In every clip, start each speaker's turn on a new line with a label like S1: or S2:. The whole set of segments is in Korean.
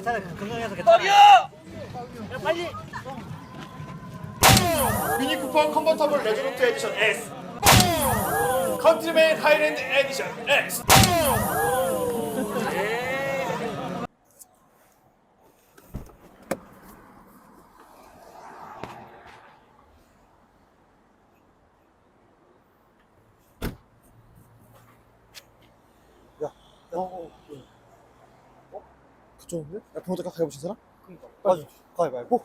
S1: 괜찮아. 건강해서 괜찮아.
S2: 떨려!
S1: 야, 빨리.
S2: 미니 쿠퍼 컨버터블 레저런트 에디션 S, 컨트리맨 하이랜드 에디션 X.
S3: 그쪽인데? 야, 병원에 가보신 사람? 그니까. 맞아. 가위바위보.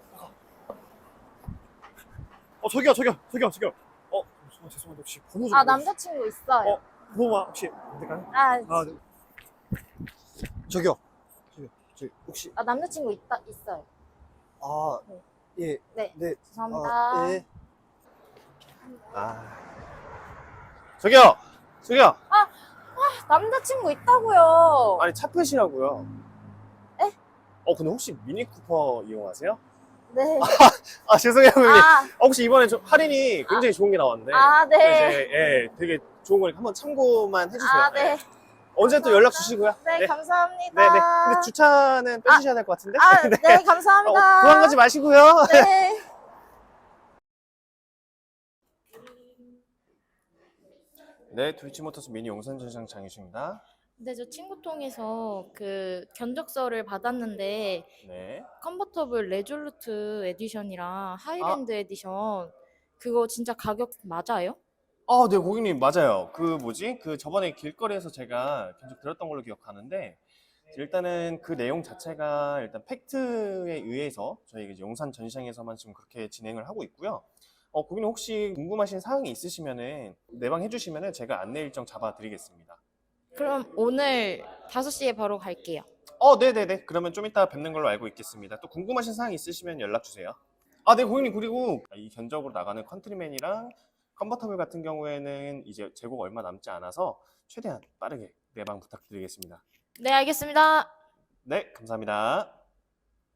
S3: 저기요. 죄송한데 혹시 번호 좀.
S4: 아, 남자친구 있어요.
S3: 번호만 혹시 안 될까요?
S4: 아,
S3: 네. 저기요. 저기 혹시.
S4: 아, 남자친구 있어요. 네.
S3: 예.
S4: 네.
S3: 네.
S4: 죄송합니다.
S3: 예.
S2: 저기요.
S4: 남자친구 있다고요.
S2: 아니 차 끄시라고요.
S4: 에?
S2: 근데 혹시 미니 쿠퍼 이용하세요?
S4: 네.
S2: 죄송해요 형님.
S4: 아,
S2: 혹시 이번에 할인이 굉장히 좋은 게 나왔는데.
S4: 네.
S2: 예, 되게 좋은 거니까 한번 참고만 해주세요.
S4: 아, 네.
S2: 언제 또 연락 주시고요.
S4: 네, 감사합니다.
S2: 네네. 근데 주차는 빼주셔야 될 것 같은데.
S4: 네, 감사합니다.
S2: 도망가지 마시고요.
S4: 네.
S2: 네, 도이치모터스 미니 용산 전시장 장유식입니다.
S4: 네, 저 친구 통해서 그 견적서를 받았는데
S2: 네.
S4: 컨버터블 레졸루트 에디션이랑 하이랜드 에디션 그거 진짜 가격 맞아요?
S2: 네, 고객님, 맞아요. 그 저번에 길거리에서 제가 견적 들었던 걸로 기억하는데, 일단은 그 내용 자체가 일단 팩트에 의해서 저희 이제 용산 전시장에서만 지금 그렇게 진행을 하고 있고요. 고객님 혹시 궁금하신 사항이 있으시면은 내방 해주시면은 제가 안내 일정 잡아드리겠습니다.
S4: 그럼 오늘 5시에 바로 갈게요.
S2: 네네네. 그러면 좀 이따 뵙는 걸로 알고 있겠습니다. 또 궁금하신 사항 있으시면 연락 주세요. 네, 고객님. 그리고 이 견적으로 나가는 컨트리맨이랑 컨버터블 같은 경우에는 이제 재고가 얼마 남지 않아서 최대한 빠르게 내방 부탁드리겠습니다.
S4: 네, 알겠습니다.
S2: 네, 감사합니다.